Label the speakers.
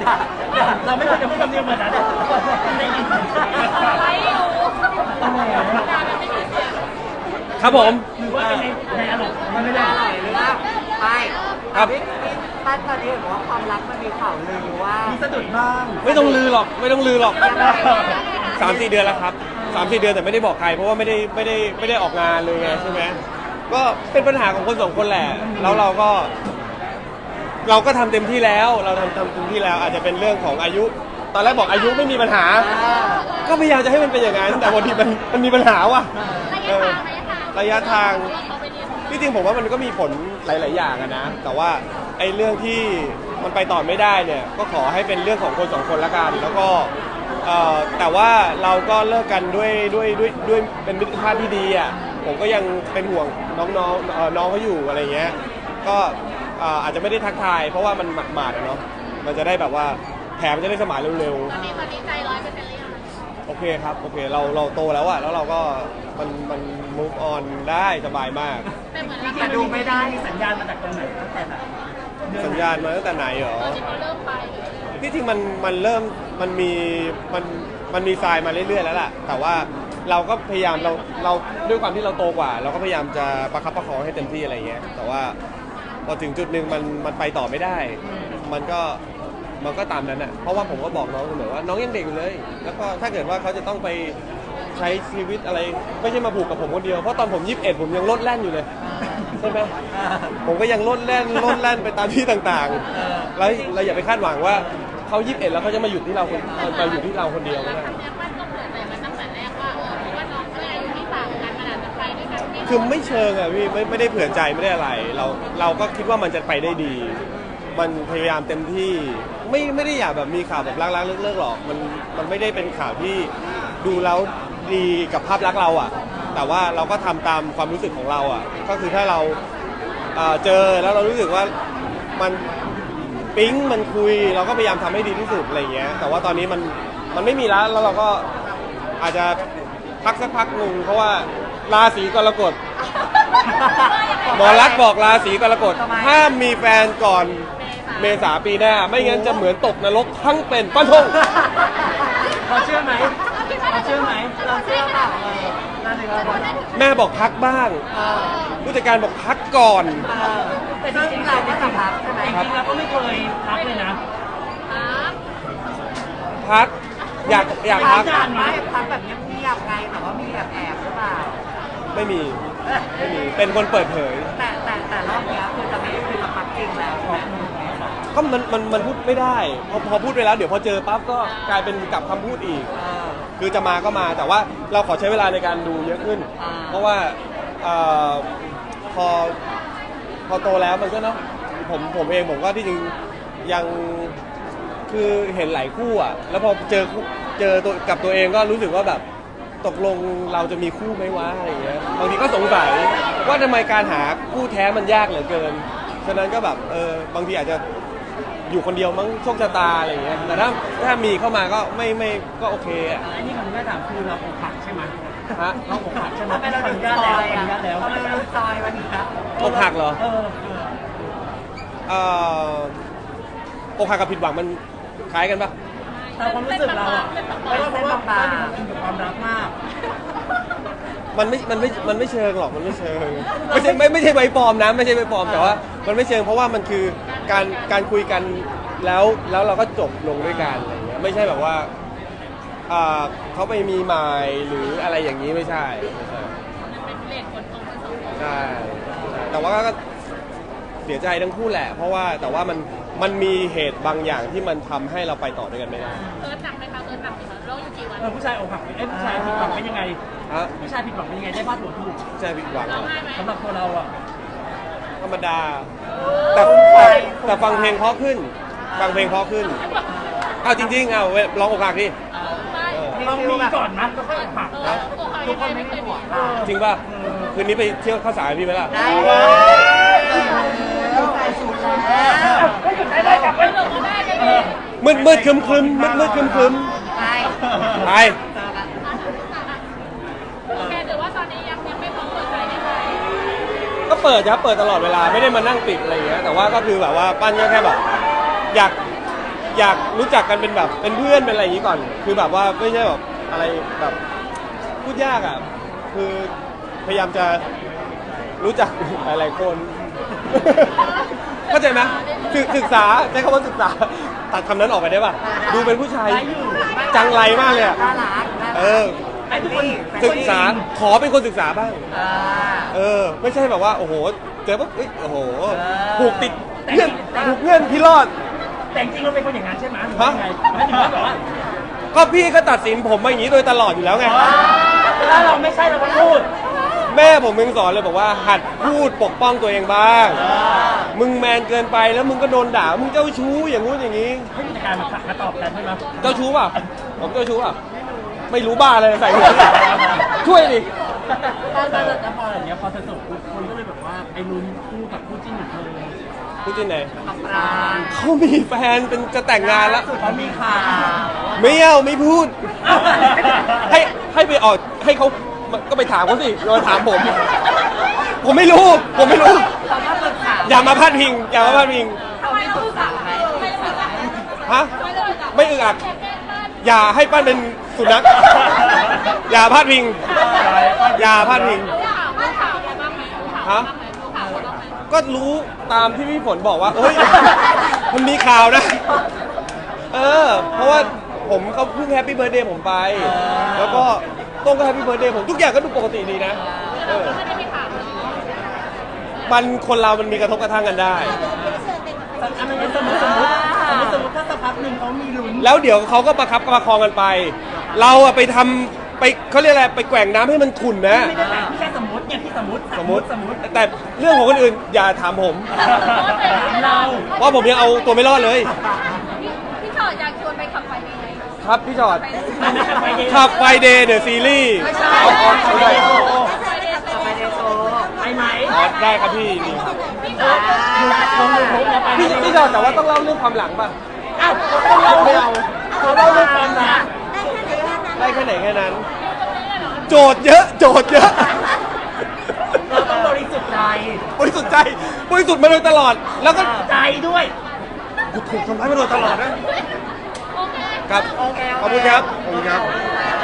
Speaker 1: เราไม่ควรจะพูดคำนี้เหมือนนั้นไม่ยินไม่รู้
Speaker 2: ครับผม
Speaker 1: หรือว่าในอารมณ์มันไม่ได้
Speaker 3: หรือว่าไม่ครับพี่ตั้นตอนนี้เห็นว่าความรักมันมีข่าวลือว่า
Speaker 1: มีสะดุดบ้าง
Speaker 2: ไม่ต้องลือหรอก3-4 เดือนแล้วครับ3-4 เดือนแต่ไม่ได้บอกใครเพราะว่าไม่ได้ออกงานเลยไงใช่ไหมก็เป็นปัญหาของคน2 คนแหละแล้วเราก็ทำเต็มที่แล้วเราทำเต็มที่แล้วอาจจะเป็นเรื่องของอายุตอนแรกบอกอายุไม่มีปัญหาก็พยายามจะให้มันเป็นอย่างนั้นแต่บางทีมันมีปัญหาว่ะระยะทางที่จริงผมว่ามันก็มีผลหลายๆอย่างนะแต่ว่าไอ้เรื่องที่มันไปต่อไม่ได้เนี่ยก็ขอให้เป็นเรื่องของคน2 คนละกันแล้วก็แต่ว่าเราก็เลิกกันด้วยเป็นมิตรภาพที่ดีอ่ะผมก็ยังเป็นห่วงน้องเขาอยู่อะไรเงี้ยก็อาจจะไม่ได้ทักทายเพราะว่ามันหมาดๆเนาะมันจะได้แบบว่าแผลมันจะได้สมานเร็วๆตอนนี้ใจ100%เลยโอเคครับโอเคเราโตแล้วอะแล้วเราก็มัน move on ได้สบายมาก
Speaker 1: แต่ดูไม่ได้สัญญาณมาจากตรงไหนตั้งแต่ไหน
Speaker 2: สัญญาณมาตั้งแต่ไหนเหรอที่จริงมันเริ่มมันมีทรายมาเรื่อยๆแล้วล่ะแต่ว่าเราก็พยายามเราด้วยความที่เราโตกว่าเราก็พยายามจะประคับประคองให้เต็มที่อะไรเงี้ยแต่ว่าพอถึงจุดหนึ่งมันไปต่อไม่ได้มันก็ตามนั้นอ่ะเพราะว่าผมก็บอกน้องเสมอว่าน้องยังเด็กอยู่เลยแล้วก็ถ้าเกิดว่าเขาจะต้องไปใช้ชีวิตอะไรไม่ใช่มาผูกกับผมคนเดียวเพราะตอนผม21ผมยังโลดแล่นอยู่เลยใช่ไหมผมก็ยังโลดแล่นไปตามที่ต่างๆแล้วเราอย่าไปคาดหวังว่าเขา21แล้วเขาจะมาอยู่ที่เราคนเดียวไม่ได้คือไม่เชิงอ่ะพี่ไม่ได้เผื่อใจไม่ได้อะไรเราก็คิดว่ามันจะไปได้ดีมันพยายามเต็มที่ไม่ได้อยากแบบมีข่าวแบบรักๆเลิกๆหรอกมันไม่ได้เป็นข่าวที่ดูแล้วดีกับภาพลักษณ์เราอ่ะแต่ว่าเราก็ทำตามความรู้สึกของเราอ่ะก็คือถ้าเราเจอแล้วเรารู้สึกว่ามันปิ๊งมันคุยเราก็พยายามทำให้ดีที่สุดอะไรเงี้ยแต่ว่าตอนนี้มันไม่มีแล้วเราก็อาจจะพักสักพักหนึ่งเพราะว่าราศีกรกฎหมอรักบอกราศีกรกฎห้ามมีแฟนก่อนเมษาปีหน้าไม่งั้นจะเหมือนตกนรกทั้งเป็นฟันธง
Speaker 1: เราเชื่อไหมเราเชื่อเปล่า
Speaker 2: แม่บอกพักบ้างผู้จัดการบอกพักก่อน
Speaker 3: แต่จริงๆเราก็จะพักใช่ไหม
Speaker 1: จริงๆเราก็ไม่เคยพักเลยนะ
Speaker 2: พักอยากพัก
Speaker 3: ไม่พักแบบเงียบๆไงแต่ว่ามีแอบหรือเปล่า
Speaker 2: ไม่มีเป็นคนเปิดเผย
Speaker 3: แต่รอบนี้คือจะไม่ได้คุยกับพักจริงแล้ว
Speaker 2: ก็มันพูดไม่ได้พอพูดไปแล้วเดี๋ยวพอเจอปั๊บก็กลายเป็นกลับคำพูดอีกคือจะมาก็มาแต่ว่าเราขอใช้เวลาในการดูเยอะขึ้นเพราะว่าพอโตแล้วมันก็เนาะผมเองผมก็ที่จริงยังคือเห็นหลายคู่อ่ะแล้วพอเจอตัวกับตัวเองก็รู้สึกว่าแบบตกลงเราจะมีคู่ไหมวะอะไรเงี้ยบางทีก็สงสัยว่าทำไมการหาคู่แท้มันยากเหลือเกินฉะนั้นก็แบบบางทีอาจจะอยู่คนเดียวมั้งโชคชะตาอะไรเงี้ยแต่ถ้ามีเข้ามาก็ไม่ก็โอเคอ่ะ
Speaker 1: อันนี้ผมไม่ถามคือเราอกหักใช่ไหม
Speaker 2: ฮะ
Speaker 1: เราอกหักใช่ไหม
Speaker 3: ไม่เราดูซอยอ่ะเราดูซอยวันนี้ครับ
Speaker 2: อกหักเหรออกหักกับผิดหวังมันคล้ายกันปะ
Speaker 1: แต่ความรู้สึกเราอ่ะเพราะว่าอินกับความรักมาก
Speaker 2: มันไม่เชิงหรอกมันไม่เชิงไม่ใช่ใบปลอมนะไม่ใช่ใบปลอมแต่ว่ามันไม่เชิงเพราะว่ามันคือการคุยกันแล้วเราก็จบลงด้วยกันอะไรเงี้ยไม่ใช่แบบว่าเขาไปมีหมายหรืออะไรอย่างนี้ไม่ใช่ใช่แต่ว่าก็เสียใจทั้งคู่แหละเพราะว่าแต่ว่ามันมีเหตุบางอย่างที่มันทำให้เราไปต่อด้วยกันไม่ได้
Speaker 4: หนักไหมคะหนักไหมโรคอยู่กี่วัน
Speaker 1: ผู้ชายอกหักผู้ชายผิดหวังเป็นยังไงผู้ชายผิดหวังเป็นยังไงได้พาดหัวถูก
Speaker 2: ผู้ชายผิดหวัง
Speaker 1: สำหรับตัวเราอ่ะ
Speaker 2: ธรรมดาแต่ฟังเพลงเพราะขึ้นเอาจริงๆเอาลองอกหักดิ
Speaker 1: ต้องมีก่อนนะก็ค่อยอกหัก
Speaker 3: ทุกคนไม่ได้หวัง
Speaker 2: จริงป่ะคืนนี้ไปเที่ยวข้าวสารพี่ไหมล่ะ
Speaker 3: ได้ใส่สูทแล้ว
Speaker 1: ได้กลับไป
Speaker 2: มืดครึมไป
Speaker 4: โอเคถือว่าตอนนี้ยังไม่พร้อมเปิดใจในใคร
Speaker 2: ก็เปิดตลอดเวลาไม่ได้มานั่งปิดอะไรอย่างเงี้ยแต่ว่าก็คือแบบว่าปั้นก็แค่แบบอยอยากรู้จักกันเป็นแบบเป็นเพื่อนเป็นอะไรอย่างนี้ก่อน คือแบบว่าไม่ใช่แบบอะไรแบบพูดยากอ่ะคือพยายามจะรู้จักหลายๆคน เข้าใจไหมศึกษาใช้คำว่าศึกษาตัดคำนั้นออกไปได้ป่ะดูเป็นผู้ชายจังไรมากเลยอ่ะ
Speaker 3: น่ารัก
Speaker 1: ไอ้ทุกคน
Speaker 2: ศึกษาขอเป็นคนศึกษาบ้าง
Speaker 3: อ่า
Speaker 2: ไม่ใช่แบบว่าโอ้โหเจอปุ๊บเอ้ยโอ้โห
Speaker 3: เออ
Speaker 2: ผูกติดเพื่อนผูกเพื่อนพี่รอด
Speaker 1: แต่จริงๆเราเป็นคนอย่างนั้นใช่ไหมหรือว่าไงไม่ถึงว่าแบบว่า
Speaker 2: ก็พี่ก็ตัดสินผมมาอย่างนี้โดยตลอดอยู่แล้วไง
Speaker 1: ถ้าเราไม่ใช่เราก็พูด
Speaker 2: แม่ผมยังสอนเลยบอกว่าหัดพูดปกป้องตัวเองบ้าง มึงแมนเกินไปแล้วมึงก็โดนด่ามึงเจ้าชู้อย่างงู้นอย่างนี้
Speaker 1: ให้มีการมาตอบกันใช่ไหม
Speaker 2: เจ้าชู้เปล่ะผมเจ้าชู้เปล่ะไม่รู้บ้าเลยใส่หัวช่วยดิ
Speaker 1: แล้วพออย่างเงี้ยพอเธอจบคนก็เลยแบบว่าไอ้ลุ้นคู่กับคู่จิ้นของเธอ
Speaker 2: พูดที่ไหน
Speaker 3: กับปราง
Speaker 2: เขามีแฟนเป็นจะแต่งงานแล้ว
Speaker 1: สุดเขามีข่าว
Speaker 2: ไม่เอาไม่พูด ให้ไปออกให้เขาก็ไปถามเขาสิอย่ามาถามผม ผมไม่รู้ ผมไม่รู้
Speaker 3: เขาก็ปรึกษา
Speaker 2: อย่ามาพาดพิง อย่ามาพาดพิง
Speaker 3: เขาไม่ปรึกษาไหม
Speaker 2: ฮะไม่อึดอัดอย่าให้ปั้นเป็นสุนัขอย่าพาดพิง อย่าพาดพิง
Speaker 4: รู้ข่าวอะไรบ้างไหมรู้ข่าว
Speaker 2: ฮะ
Speaker 4: รู้ข่าวบ้างไหม
Speaker 2: ก็รู้ตามที่พี่ฝนบอกว่าเอ้ย มันมีข่าวนะ เพราะว่าผมเขาเพิ่งแฮปปี้เบิร์ดเดย์ผมไป แล้วก็ต้องก็แฮปปี้เบิร์ดเดย์ผมทุกอย่างก็ดูปกติดีนะ
Speaker 4: ไม่ได้มีข่าวเลย
Speaker 2: มันคนเรามันมีกระทบกระทั่งกันได้
Speaker 1: อันนั้นสมมติถ้าสักพักหนึ่งเขามีลุ้น
Speaker 2: แล้วเดี๋ยวเขาก็ประคับประคองกันไป เราอะไปทำไปเขาเรียกอะไรไปแกว่งน้ำให้มันขุ่นนะ
Speaker 1: ไม่ได้แต่พี่แค่สมมติเนี่ยพี่สมมติ
Speaker 2: สมมติ แต่เรื่องของคนอื่นอย่าถามผม
Speaker 1: เรา
Speaker 2: เพราะผมยังเอาตัวไม่รอดเลย
Speaker 4: พี่ชอดอยากชวนไปขับไฟเดย์
Speaker 2: ครับพี่จอด
Speaker 1: ไปเดย์
Speaker 2: ขับไฟเดย์เดอะซีรีส์
Speaker 3: ไม่ใช่
Speaker 2: เอา
Speaker 1: ไป
Speaker 2: เอา
Speaker 1: เด
Speaker 2: ได้
Speaker 1: ย์โชว์
Speaker 3: ไปเดโชว์
Speaker 1: ไปไหม
Speaker 2: อ๋อได้ครับพี่นี่ครับ
Speaker 1: ลงยูทูบแล้วไป
Speaker 2: พี่จอดแต่ว่าต้องเล่าเรื่องความหลังป่ะ
Speaker 1: อ้าวเราไม่เอาเขาเล่าเรื่องความรัก
Speaker 2: ได้แค่ไหนแค่นั้น โจทย์เยอะ โจทย์เยอะ
Speaker 1: เราต้องบริสุทธิ์ใจ
Speaker 2: บริสุทธิ์ใจบริสุทธิ์มาโดยตลอด แล้วก็
Speaker 1: ใจด้วย
Speaker 2: ถูกทำร้ายมาโดยตลอดนะ
Speaker 4: โอเค
Speaker 2: ครับ
Speaker 3: โอเค
Speaker 2: ขอบคุณครับ ขอบคุณครับ
Speaker 3: บ